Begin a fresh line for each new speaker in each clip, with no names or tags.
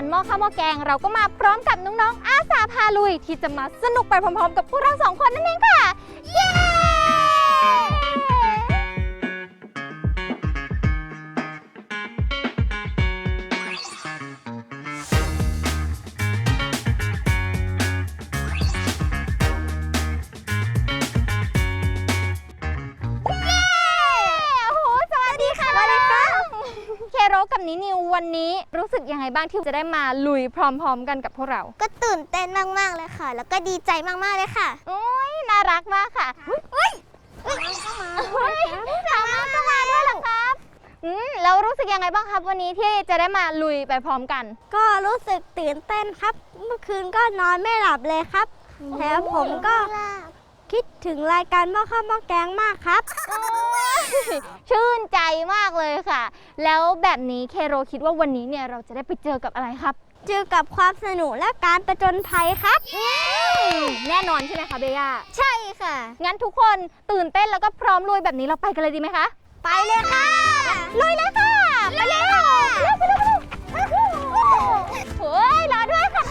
หม้อข้าวหม้อแกงเราก็มาพร้อมกับน้องๆอาสาพาลุยที่จะมาสนุกไปพร้อมๆกับพวกเรา2 คนนั่นเองค่ะเย้เคโรกับนินิววันนี้รู้สึกยังไงบ้างที่จะได้มาลุยพร้อมๆกันกับพวกเรา
ก็ตื่นเต้นมากๆเลยค่ะแล้วก็ดีใจมากๆเลยค่ะ
โอ้ยน่ารักมากค่ะทามาก็มาด้วยเหรอครับแล้วรู้สึกยังไงบ้างครับวันนี้ที่จะได้มาลุยไปพร้อมกัน
ก็รู้สึกตื่นเต้นครับเมื่อคืนก็นอนไม่หลับเลยครับแล้วผมก็คิดถึงรายการหม้อข้าวหม้อแกงมากครับ
ชื่นใจมากเลยค่ะแล้วแบบนี้เคโรคิดว่าวันนี้เนี่ยเราจะได้ไปเจอกับอะไรครับ
เจอกับความสนุกและการประจนภัยครับ
แน่นอนใช่ไหมคะเบย่า
ใช่ค่ะ
งั้นทุกคนตื่นเต้นแล้วก็พร้อมลุยแบบนี้เราไปกันเลยดีไหมคะ
ไปเลยค่ะ
ลุยเลยค่ะไปเลยค่ะไปเลยเฮ้ยรอด้วยค่ะ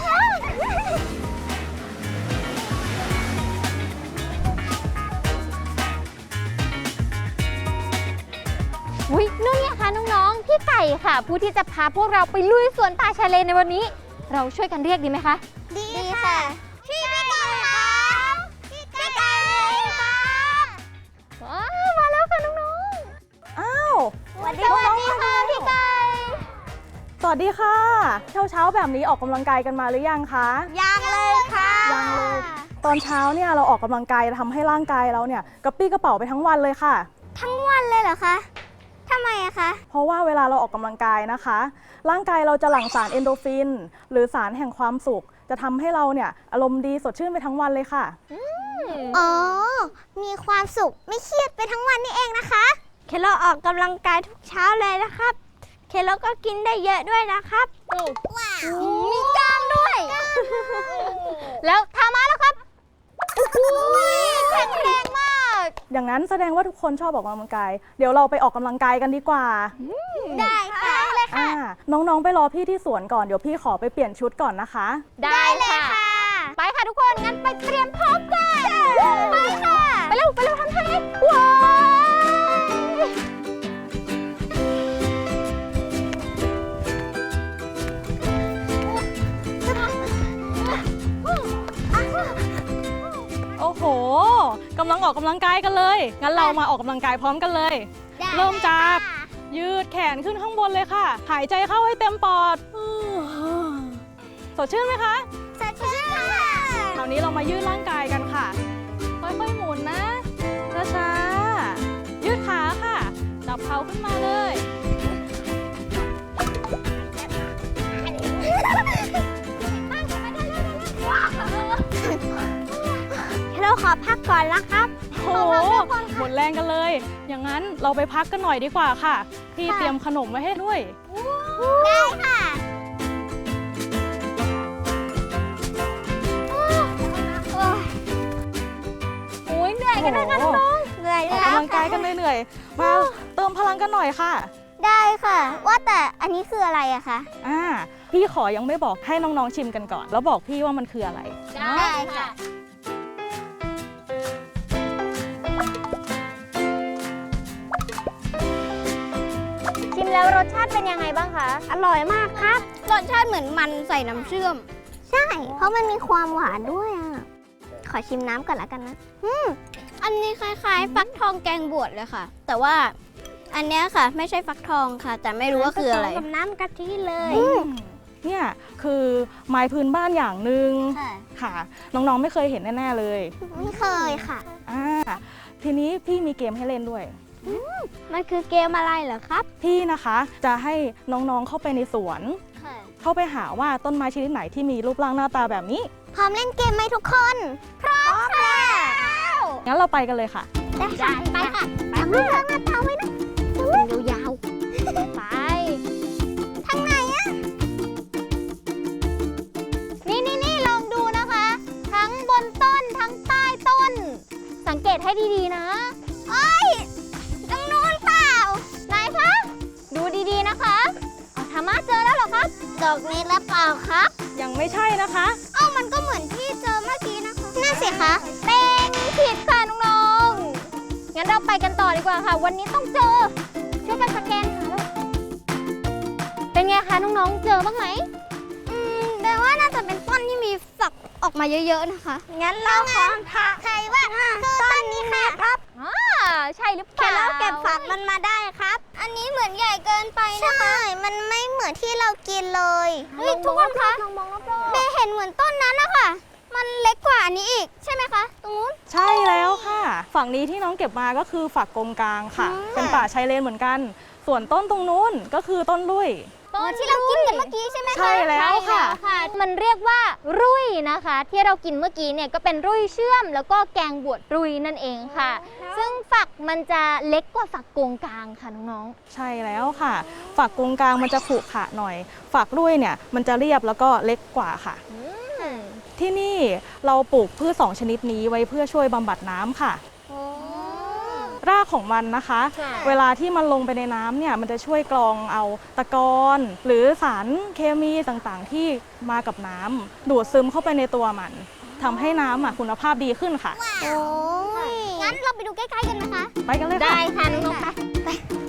อุ๊ยนู่นเนี่ยค่ะน้องๆพี่ไก่ค่ะผู้ที่จะพาพวกเราไปลุยสวนป่าชายเลนในวันนี้เราช่วยกันเรียกดีไหมคะ
ดีค่ะพี่ไก่ครับพี่ไก่ครับ
มาแล้วค่ะน้อง
ๆอ้าว
สวัสดีค่ะพี่ไก่
สวัสดีค่ะเช้าแบบนี้ออกกำลังกายกันมาหรือยังคะ
ยังเลยค่ะ
ยังเลยตอนเช้าเนี่ยเราออกกำลังกายทำให้ร่างกายเราเนี่ยกระปี้กระเป๋าไปทั้งวันเลยค่ะ
ทั้งวันเลยเหรอคะทำไมอะคะ
เพราะว่าเวลาเราออกกำลังกายนะคะร่างกายเราจะหลั่งสารเอนโดรฟินหรือสารแห่งความสุขจะทำให้เราเนี่ยอารมณ์ดีสดชื่นไปทั้งวันเลยค่ะ
อ๋อมีความสุขไม่เครียดไปทั้งวันนี่เองนะคะเคโลออกกำลังกายทุกเช้าเลยนะครับเคโลก็กินได้เยอะด้วยนะครับว้าวมีกล้ามด้วย
แล้วทามาแล้วครับแข็งแรงมาก
อย่างนั้นแสดงว่าทุกคนชอบออกกำลังกายเดี๋ยวเราไปออกกำลังกายกันดีกว่า
ได้ค่ะเลยค่ะ
น้องๆไปรอพี่ที่สวนก่อนเดี๋ยวพี่ขอไปเปลี่ยนชุดก่อนนะคะ
ได้เลยค่ะไปค่ะทุกคนงั้นไปเตรียมพร้อมกันไปค่ะไปเร็วทำท่านี้ว้าว
โอ้โหกำลังออกกำลังกายกันเลยงั้นเรามาออกกำลังกายพร้อมกันเลยเริ่มจากยืดแขนขึ้นข้างบนเลยค่ะหายใจเข้าให้เต็มปอดสดชื่นไหมคะ
สดชื่นค่ะ
คราวนี้เรามายืดร่างกายกันค่ะค่อยๆหมุนนะช้าๆยืดขาค่ะจับเข่าขึ้นมาเลย
เราขอพักก่อนนะครับ
โอ้โหหมดแรงกันเลยอย่างนั้นเราไปพักกันหน่อยดีกว่าค่ะพี่เตรียมขนมไว้ให้ด้วย
ได้ค่ะ
โอ้ยเหนื่อยกันนะคะน้อง
เหนื่อย
ออกกำลังกายกันเหนื่อยมาเติมพลังกันหน่อยค่ะ
ได้ค่ะว่าแต่อันนี้คืออะไรอะคะ
พี่ขอยังไม่บอกให้น้องๆชิมกันก่อนแล้วบอกพี่ว่ามันคืออะไร
ได้ค่ะ
ชิมแล้วรสชาติเป็นยังไงบ้างคะ
อร่อยมากครับรสชาติเหมือนมันใส่น้ำเชื่อมใช่เพราะมันมีความหวานด้วยอ่ะขอชิมน้ำก่อนละกันนะอันนี้คล้ายๆฟักทองแกงบวชเลยค่ะแต่ว่าอันนี้ค่ะไม่ใช่ฟักทองค่ะแต่ไม่รู้ว่าคืออะไรกับน้ำกะทิเลย
เนี่ยคือไม้พื้นบ้านอย่างหนึ่งค่ะน้องๆไม่เคยเห็นแน่ๆเลย
ไม่เคยค่ะ
ทีนี้พี่มีเกมให้เล่นด้วย
มันคือเกมอะไรเหรอครับ
พี่นะคะจะให้น้องๆเข้าไปในสวนเข้าไปหาว่าต้นไม้ชนิดไหนที่มีรูปร่างหน้าตาแบบนี้
พร้อมเล่นเกมไหมทุกคนพร้อมค่ะ
งั้นเราไปกันเลยค่ะ
ได้ค่ะไปค่ะทำรูปร่างหน้าตาไว้นะยาว
ๆไป
ทางไหนอะ
นี่ลองดูนะคะทั้งบนต้นทั้งใต้ต้นสังเกตให้ดีๆนะ
ตรงนู้นเปล่า
ไหนคะดูดีๆนะคะทามาเจอแล้วเหรอครับ
ดอกนี้หรือเปล่าครับ
ยังไม่ใช่นะคะ
เอ้ามันก็เหมือนที่เจอเมื่อกี้นะคะนั่นสิคะ
เต็งผิดค่ะน้องๆ งั้นเราไปกันต่อดีกว่าค่ะ วันนี้ต้องเจอ ช่วยกันสแกนหาเลยเป็นไงคะน้องๆ เจอบ้างไหม
แปลว่าน่าจะเป็นต้นที่มีฝักออกมาเยอะๆนะคะ งั้นเราขอใครว่าคือต้นนี้ค่ะครับ
ใช่หรือเป
แค่
ล่า
เราเก็บฝักมันมาได้ครับ อันนี้เหมือนใหญ่เกินไปนะคะ ใช่ มันไม่เหมือนที่เรากินเลยเฮ้ยทุกคนคะ
ลองมองรอบๆ
เบย์เห็นเหมือนต้นนั้นนะคะมันเล็กกว่าอันนี้อีกใช่ไหมคะ ตรงนู้น
ใช่แล้วค่ะ ฝั่งนี้ที่น้องเก็บมาก็คือฝักกงกลางค่ะ เป็นป่าชายเลนเหมือนกัน ส่วนต้นตรงนู้นก็คือต้นลุย
ต้น
ที่เรากินกันเมื่อกี้ใช่ไหมคะ
ใช่แล้วค่ะ
มันเรียกว่ารุ่ยนะคะ ที่เรากินเมื่อกี้เนี่ยก็เป็นรุ่ยเชื่อม แล้วก็แกงบวชรุ่ยนั่นเองค่ะ ซึ่งฝักมันจะเล็กกว่าฝักกงกลางค่ะน้อง
ใช่แล้วค่ะ ฝักกงกลางมันจะขรุขระหน่อย ฝักลุยเนี่ยมันจะเรียบแล้วก็เล็กกว่าค่ะ
ๆ
ที่นี่เราปลูกพืช2ชนิดนี้ไว้เพื่อช่วยบำบัดน้ำค่ะ รากของมันนะคะ
ค่ะ
เวลาที่มันลงไปในน้ำเนี่ยมันจะช่วยกรองเอาตะกอนหรือสารเคมีต่างๆที่มากับน้ำดูดซึมเข้าไปในตัวมันทำให้น้ำคุณภาพดีขึ้นค่ะ
โอ้ยงั้นเราไปดูใกล้ๆกันนะคะ
ไปกันเลยค่ะ
ได้ค่ะน้องๆไป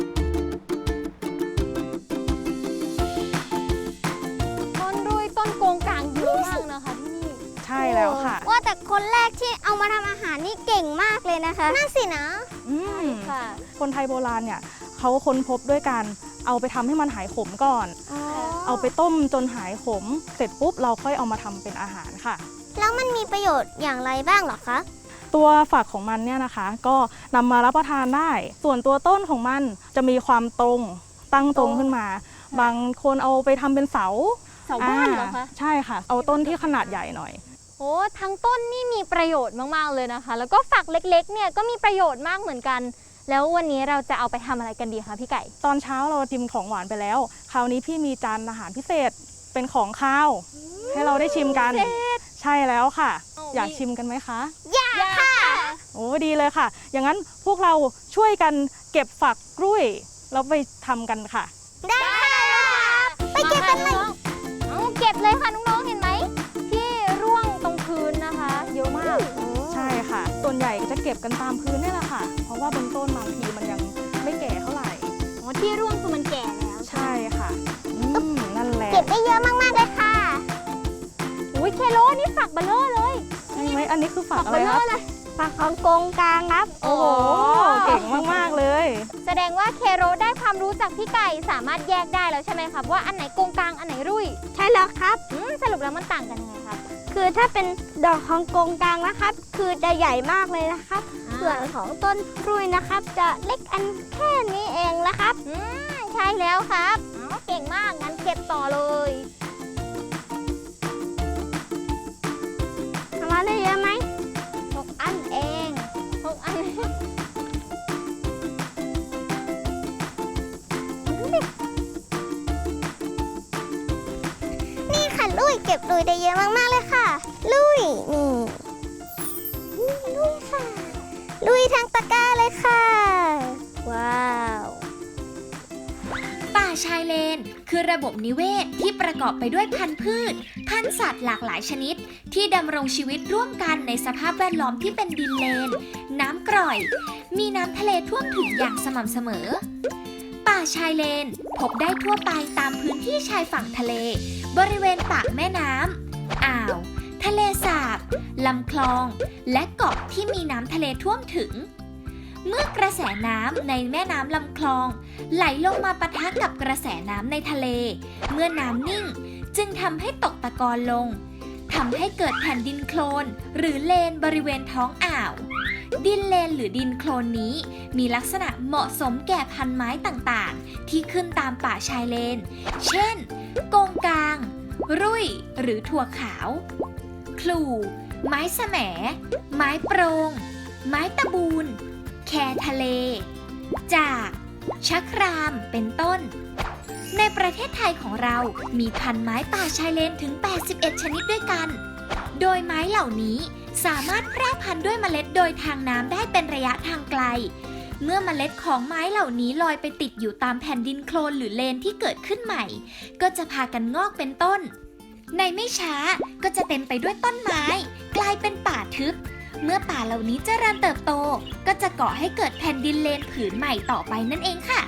ต้นรุ่ยต้นโกงกลางเยอะมากนะคะที่นี่
ใช่แล้วค่ะ
ว่าแต่คนแรกที่เอามาทำอาหารนี่เก่งมากเลยนะคะน่าสินะ
อืม
ค่ะ
คนไทยโบราณเนี่ยเขาค้นพบด้วยการเอาไปทำให้มันหายขมก่อน เอาไปต้มจนหายขม เสร็จปุ๊บเราค่อยเอามาทำเป็นอาหารค่ะ
แล้วมันมีประโยชน์อย่างไรบ้างเหรอคะ
ตัวฝักของมันเนี่ยนะคะ ก็นำมารับประทานได้ ส่วนตัวต้นของมันจะมีความตรงตั้งตรงขึ้นมา บางคนเอาไปทำเป็นเสา
เสาบ้านเหรอคะ
ใช่ค่ะ เอาต้นที่ขนาดใหญ่หน่อย
โอ้ทั้งต้นนี่มีประโยชน์มากๆเลยนะคะ แล้วก็ฝักเล็กๆเนี่ยก็มีประโยชน์มากเหมือนกัน แล้ววันนี้เราจะเอาไปทำอะไรกันดีคะพี่ไก่
ตอนเช้าเราชิมของหวานไปแล้ว คราวนี้พี่มีจานอาหารพิเศษเป็นของข้าว ให้เราได้ชิมกัน ใช่แล้วค่ะ อยากชิมกันไหมคะ
อยากค่ะ
โอ้ดีเลยค่ะ อย่างนั้นพวกเราช่วยกันเก็บฝักกล้วยแล้วไปทำกันค่ะ
ได้ค่ะไปเก็บกันเลย
เอาเก็บเลยค่ะน้องๆเห็นไหมที่ร่วงตรงพื้นนะคะ เยอะมาก
ใช่ค่ะ ส่วนใหญ่จะเก็บกันตามพื้นนี่แหละค่ะ เพราะว่าบนต้นบางทีมันยังไม่แก่เท่าไหร่
อ๋อที่ร่วงคือมันแก่แล้ว
ใช่ค่ะนั่นแหละ
เก็บได้เยอะมากๆเลยค่ะ
อุ้ยเคโลนี่ฝักเบลเลอร์เลย
ใช่ไหมอันนี้คือฝัก
ฝัก
อะ
เบ
ไร
ลเล
ค
อ
รับ
ร์เลย
ฝักของกงกลางครับ
โอ้โหเก่งมากๆเลย
แสดงว่าเคโรได้ความรู้จากพี่ไก่สามารถแยกได้แล้วใช่ไหมครับว่าอันไหนโกงกลางอันไหนรุ่ย
ใช่แล้วครับ
สรุปแล้วมันต่างกันยังไงครับ
คือถ้าเป็นดอกของกงกลางนะครับ คือจะใหญ่มากเลยนะครับ ส่วนของต้นรุยนะครับ จะเล็กอันแค่นี้เองนะครับ
ใช่แล้วครับเก่งมากงั้นเก็บต่อเลย
ทำมาได้เยอะไหม
6 อันเอง6 อัน
นี่ค่ะลุยเก็บลุยได้เยอะมากๆเลยค่ะ ลุยนี่ลุยค่ะ ลุยทั้งตะกร้าเลยค่ะ ว้าว
ป่าชายเลนคือระบบนิเวศที่ประกอบไปด้วยพันธุ์พืช พันธุ์สัตว์หลากหลายชนิด ที่ดำรงชีวิตร่วมกันในสภาพแวดล้อมที่เป็นดินเลน น้ำกร่อย มีน้ำทะเลท่วมถึงอย่างสม่ำเสมอ ป่าชายเลนพบได้ทั่วไปตามพื้นที่ชายฝั่งทะเล บริเวณปากแม่น้ำอ่าว ทะเลสาบลำคลอง และเกาะที่มีน้ำทะเลท่วมถึง เมื่อกระแสน้ำในแม่น้ำลำคลอง ไหลลงมาปะทะกับกระแสน้ำในทะเล เมื่อน้ำนิ่งจึงทำให้ตกตะกอนลงทำให้เกิดแผ่นดินโคลนหรือเลนบริเวณท้องอ่าว ดินเลนหรือดินโคลนนี้มีลักษณะเหมาะสมแก่พันไม้ต่างๆ ที่ขึ้นตามป่าชายเลน เช่น โกงกลาง รุ่ยหรือถั่วขาว คลูไม้แสมไม้โปรง ไม้ตะบูนแคทะเล จากชะครามเป็นต้น ในประเทศไทยของเรามีพันไม้ป่าชายเลนถึง 81 ชนิดด้วยกัน โดยไม้เหล่านี้สามารถแพร่พันธุ์ด้วยเมล็ดโดยทางน้ำได้เป็นระยะทางไกลเมื่อเมล็ดของไม้เหล่านี้ลอยไปติดอยู่ตามแผ่นดินโคลนหรือเลนที่เกิดขึ้นใหม่ ก็จะพากันงอกเป็นต้น ในไม่ช้าก็จะเต็มไปด้วยต้นไม้ กลายเป็นป่าทึบ เมื่อป่าเหล่านี้เจริญเติบโต ก็จะก่อให้เกิดแผ่นดินเลนผืนใหม่ต่อไปนั่นเองค่ะ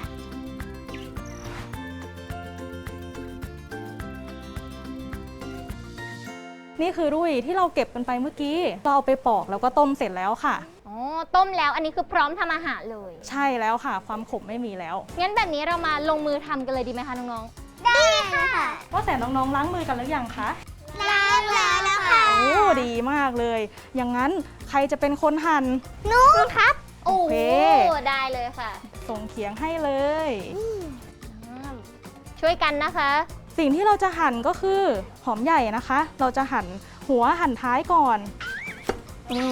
นี่คือรุ่ยที่เราเก็บกันไปเมื่อกี้เราเอาไปปอกแล้วก็ต้มเสร็จแล้วค่ะ
อ๋อ ต้มแล้วอันนี้คือพร้อมทำอาหารเลย
ใช่แล้วค่ะ ความขมไม่มีแล้ว
งั้นแบบนี้เรามาลงมือทำกันเลยดีไหมคะน้อง
ได้ค่ะ
ว่าแต่น้องๆล้างมือกันหรือยังคะ
ล้างแล้วค่ะ
โอ้ดีมากเลย อย่างนั้นใครจะเป็นคนหั่น
นุ่มครับ
ๆ โอ้
โอเค
ได้เลยค่ะ
ส่งเขียงให้เลย
ช่วยกันนะคะ
สิ่งที่เราจะหั่นก็คือหอมใหญ่นะคะ เราจะหั่นหัวหั่นท้ายก่อน
นี่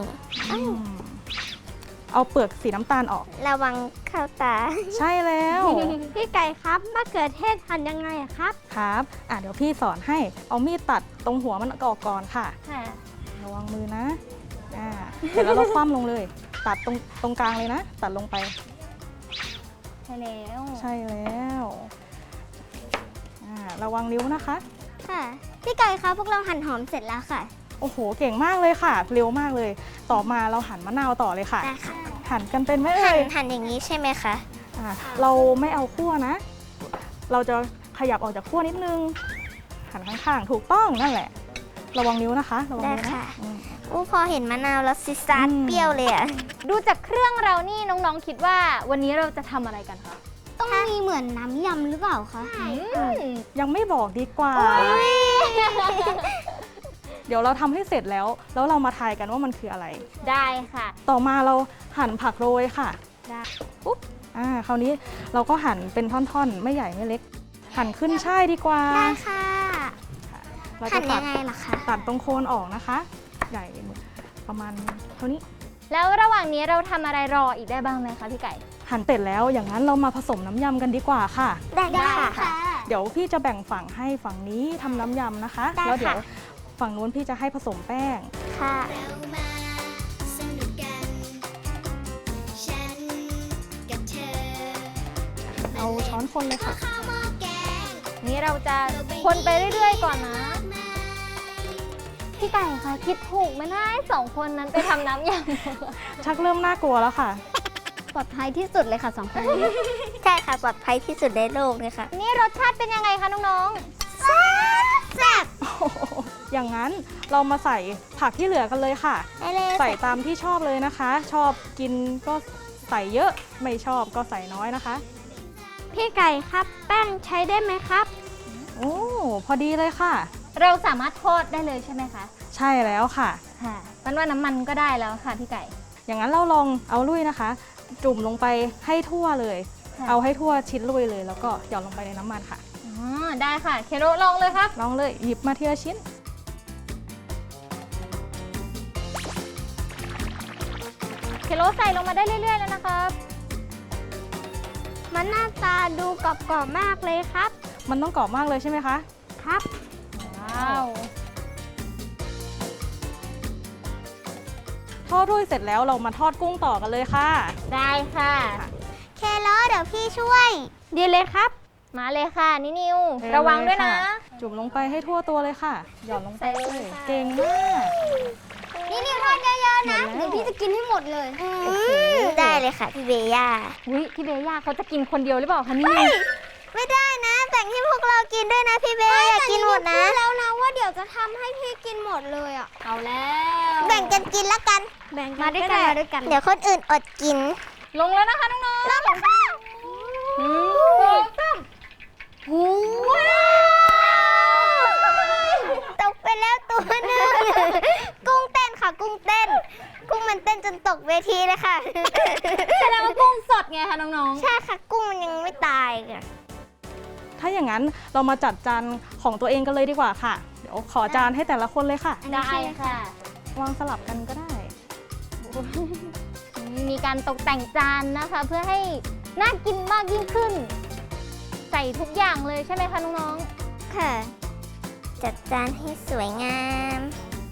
เอาเปลือกสีน้ำตาลออก
ระวังเข้าตา
ใช่แล้ว
พี่ไก่ครับมะเขือเทศหั่นยังไงอะครับ
ครับเดี๋ยวพี่สอนให้เอามีดตัดตรงหัวมันออกก่อนค่ะ
ค่ะ
ระวังมือนะเสร็จแล้วเราคว่ำลงเลย ตัดตรงกลางเลยนะ ตัดลงไป
ใช่แล้ว
ใช่แล้วระวังนิ้วนะคะ
ค่ะ พี่ไก่ครับพวกเราหั่นหอมเสร็จแล้วค่ะ
โอ้โหเก่งมากเลยค่ะ เร็วมากเลย ต่อมาเราหั่นมะนาวต่อเลยค่ะ
ได้ค่ะ
หั่นกันเป็นไหม
หั่
เอ่
น
ย
หั่นอย่างนี้ใช่ไหมคะ
เราไม่เอาคั่วนะ เราจะขยับออกจากคั่วนิดนึง หันข้างๆ ถูกต้องนั่นแหละ ระวังนิ้วนะคะ ระวังนิ้ว
ได้
นะ
ค่ะ
อืม
พอเห็นมะนาวแล้วซิซาด
อืม
เปรี้ยวเลยอะ
ดูจากเครื่องเรานี่น้องๆคิดว่าวันนี้เราจะทำอะไรกันคะ
ต้องมีเหมือนน้ำยำหรือเปล่าคะ
ยังไม่บอกดีกว่า เดี๋ยวเราทำให้เสร็จแล้ว แล้วเรามาทายกันว่ามันคืออะไร
ได้ค่ะ
ต่อมาเราหั่นผักโรยค่ะ
ได้
ปุ๊บคราวนี้เราก็หั่นเป็นท่อนๆ ไม่ใหญ่ไม่เล็ก หั่นขึ้นช่ายดีกว่า
ได้ค่ะ
เรา
หั่
จะ
น
ตั
ยั
ด
งไงล่ะคะ
ตัดตรงโคนออกนะคะ ใหญ่ประมาณเท่านี้
แล้วระหว่างนี้เราทำอะไรรออีกได้บ้างไหมคะพี่ไก่
หั่นเสร็จแล้วอย่างนั้นเรามาผสมน้ำยำกันดีกว่าค่ะ
ได้ค่ะ
เดี๋ยวพี่จะแบ่งฝั่งให้ฝั่งนี้ทำน้ำยำนะคะ
ได้ค่ะ
แล้วเดี๋ยวฝั่งนู้นพี่จะให้ผสมแป้ง
ค่ะ
เรามาสนุกกัน ฉันกับเธอ
เอาช้อนคนเลยค่ะ
ข้าวหม้อแกง
นี่เราจะคนไปเรื่อยๆก่อนนะ
มา
พี่ไก่คะคิดถูกไหมนะไอ้สองคนนั้นไปทำน้ำยำ
ชักเริ่มน่ากลัวแล้วค่ะ
ปลอดภัยที่สุดเลยค่ะ2 คนนี้ ใช่ค่ะปลอดภัยที่สุดในโลกเลยค่ะ
นี่รสชาติเป็นยังไงคะน้อง
แซ่บ
อย่างนั้นเรามาใส่ผักที่เหลือกันเลยค่ะ
ได้เลย
ใส่ตามที่ชอบเลยนะคะ ชอบกินก็ใส่เยอะ ไม่ชอบก็ใส่น้อยนะคะ
พี่ไก่ครับแป้งใช้ได้ไหมครับ
โอ้พอดีเลยค่ะ
ๆ เราสามารถทอดได้เลยใช่ไหมคะ
ใช่แล้วค่ะ
ค่ะมันว่าน้ำมันก็ได้แล้วค่ะพี่ไก่
อย่างนั้นเราลองเอาลุยนะคะ จุ่มลงไปให้ทั่วเลย
ค่ะ
เอาให้ทั่วชิ้นลุยเลย แล้วก็หย่อนลงไปในน้ำมันค่ะ
อ๋อได้ค่ะเคโรลองเลยครับ
ลองเลยหยิบมาทีละชิ้น
เคโรใส่ลงมาได้เรื่อยๆแล้วนะครับ
มันหน้าตาดูกรอบๆมากเลยครับ
มันต้องกรอบมากเลยใช่ไหมคะ
ครับ
ว้าว
ทอดลุยเสร็จแล้วเรามาทอดกุ้งต่อกันเลยค่ะ
ได้ค่ะ
เคโลเดี๋ยวพี่ช่วย ดีเลยครับ
มาเลยค่ะนินิว
เทเลย
ระวังด้วยนะ
ค่ะ จุ่มลงไปให้ทั่วตัวเลยค่ะ หย่อนลงไปเลย
ค่ะ
เก่งมาก
นี่นิวทอดเยอะๆนะ
หมดแล้ว
เดี๋ยวพี่จะกินให้หมดเลยได้เลยค่ะพี่เบย่า
อุ้ยพี่เบย่าเขาจะกินคนเดียวหรือเปล่าคะนี่
ไม่ได้นะแบ่งให้พวกเรากินด้วยนะพี่เบย์อยากกินหมดนะแล้วนะว่าเดี๋ยวจะทำให้พี่กินหมดเลยอ่ะ
เอาแล้ว
แบ่งกันกินละกันแบ่งมาด้วยกันมาด้วยกัน เดี๋ยวคนอื่นอดกิน
ลงแล้วนะคะน้องๆ
ลงแล้วค่ะ
อืมสาม
ตกไปแล้วตัวหนึงกุ้งเต้นค่ะกุ้งเต้น กุ้งมันเต้นจนตกเวทีเลยค่ะ
แสดงว่ากุ้งสดไงคะน้อง
ใช่ค่ะกุ้งมันยังไม่ตายค่ะ
ถ้าอย่างนั้นเรามาจัดจานของตัวเองกันเลยดีกว่าค่ะ เดี๋ยวขอจานให้แต่ละคนเลยค่ะ
ๆได้ค่ะ
วางสลับกันก็ได้
มีการตกแต่งจานนะคะ เพื่อให้น่ากินมากยิ่งขึ้น ใส่ทุกอย่างเลยใช่ไหมคะน้อง
ค่ะ จัดจานให้สวยงาม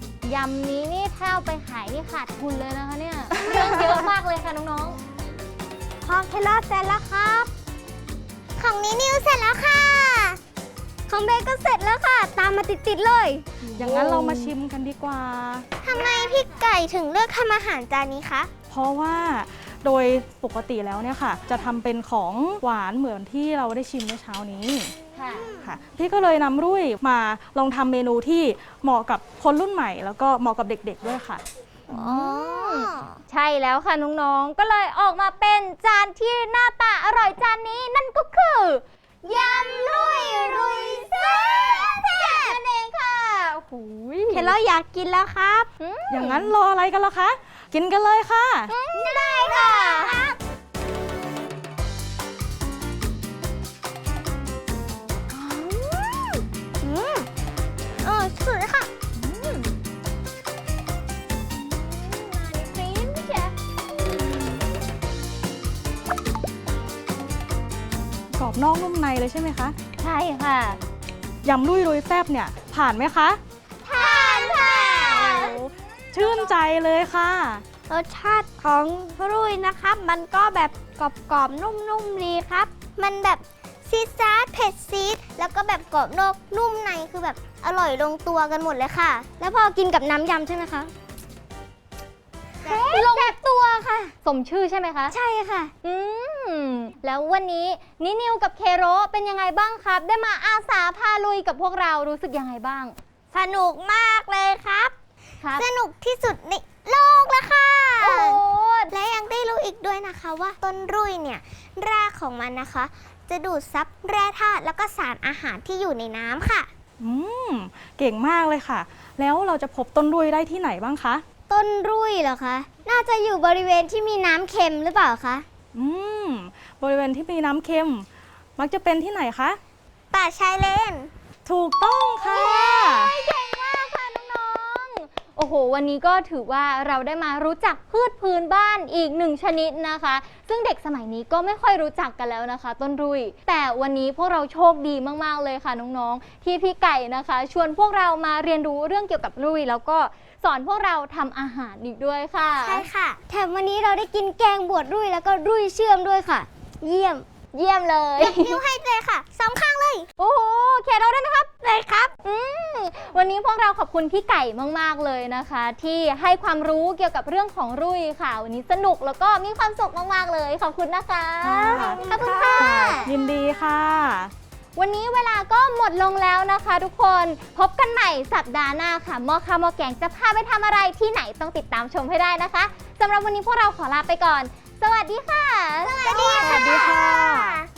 ๆยำนี้นี่ถ้าเอาไปขายนี่ขาดทุนเลยนะคะเนี่ยเครื่องเยอะมากเลยค่ะน้อง
ของเคลอเสร็จแล้วครับ ของนิวเสร็จแล้วค่ะ ของเบย์ก็เสร็จแล้วค่ะ ตามมาติดๆเลย
อย่างนั้นเรามาชิมกันดีกว่า
ทำไมพี่ไก่ถึงเลือกทำอาหารจานนี้คะ
เพราะว่าโดยปกติแล้วเนี่ยค่ะ จะทำเป็นของหวานเหมือนที่เราได้ชิมเมื่อเช้านี้
ค่ะ
ค่ะพี่ก็เลยนำรุ่ยมาลองทำเมนูที่เหมาะกับคนรุ่นใหม่ แล้วก็เหมาะกับเด็กๆด้วยค่ะ
อ๋อ
ใช่แล้วค่ะน้องๆ ก็เลยออกมาเป็นจานที่หน้าตาอร่อยจานนี้นั่นก็คือยำลุยรุยแซ่บนั่นเองค่ะโอ้โห
เคลออยากกินแล้วครับ
อย่างนั้นรออะไรกันล่ะคะ กินกันเลยค่ะ
ได้ค่ะ
สุดเลยค่ะ
กรอบนอกนุ่มในเลยใช่ไหมคะ
ใช่ค่ะ
ยำลุยรุยแซบเนี่ยผ่านไหมคะ
ผ่านค่ะ
ชื่นใจเลยค่ะ
รสชาติของพรุ่ยนะครับ มันก็แบบกรอบๆนุ่มๆดีครับ มันแบบซีดซาดเผ็ดซีดแล้วก็แบบกรอบนอกนุ่มในคือแบบอร่อยลงตัวกันหมดเลยค่ะ แล้วพอกินกับน้ำยำใช่ไหมคะลงตัวค่ะ
สมชื่อใช่ไหมคะ
ใช่ค่ะ
แล้ววันนี้นิวกับเคโรเป็นยังไงบ้างครับ ได้มาอาสาพาลุยกับพวกเรารู้สึกยังไงบ้าง
สนุกมากเลยครับ
ครับ
สนุกที่สุดในโลกแล้วค่ะ
โอ้โห
และยังได้รู้อีกด้วยนะคะว่าต้นรุ่ยเนี่ยรากของมันนะคะ จะดูดซับแร่ธาตุแล้วก็สารอาหารที่อยู่ในน้ำค่ะ
เก่งมากเลยค่ะ แล้วเราจะพบต้นรุยได้ที่ไหนบ้างคะ
ต้นรุ่ยเหรอคะ น่าจะอยู่บริเวณที่มีน้ำเค็มหรือเปล่าคะ
บริเวณที่มีน้ำเค็ม มักจะเป็นที่ไหนคะ
ป่าชายเลน
ถูกต้องค่ะ
เก่งมากค่ะน้องๆ โอ้โห วันนี้ก็ถือว่าเราได้มารู้จักพืชพื้นบ้านอีกหนึ่งชนิดนะคะ ซึ่งเด็กสมัยนี้ก็ไม่ค่อยรู้จักกันแล้วนะคะ ต้นรุย แต่วันนี้พวกเราโชคดีมากๆเลยค่ะน้องๆ ที่พี่ไก่นะคะ ชวนพวกเรามาเรียนรู้เรื่องเกี่ยวกับรุย แล้วก็สอนพวกเราทำอาหารอีกด้วยค่ะ
ใช่ค่ะ แถมวันนี้เราได้กินแกงบวชรุ่ยแล้วก็รุ่ยเชื่อมด้วยค่ะ เยี่ยม
เยี่ยมเลย
นิ้วให้เลยค่ะสองข้างเลย
โอ้โหเคเราได้ไหมครับ
เลยครับ
วันนี้พวกเราขอบคุณพี่ไก่มากๆเลยนะคะ ที่ให้ความรู้เกี่ยวกับเรื่องของรุ่ยค่ะ วันนี้สนุกแล้วก็มีความสุขมากๆเลยขอบคุณนะคะ
ค่ะ
ขอบคุณค่ะ
ยินดีค่ะ
วันนี้เวลาก็หมดลงแล้วนะคะทุกคนพบกันใหม่สัปดาห์หน้าค่ะหมอข้าวหมอแกงจะพาไปทำอะไรที่ไหนต้องติดตามชมให้ได้นะคะสำหรับวันนี้พวกเราขอลาไปก่อน สวัสดีค่ะ
สวัสดี
สวัสดีค่ะ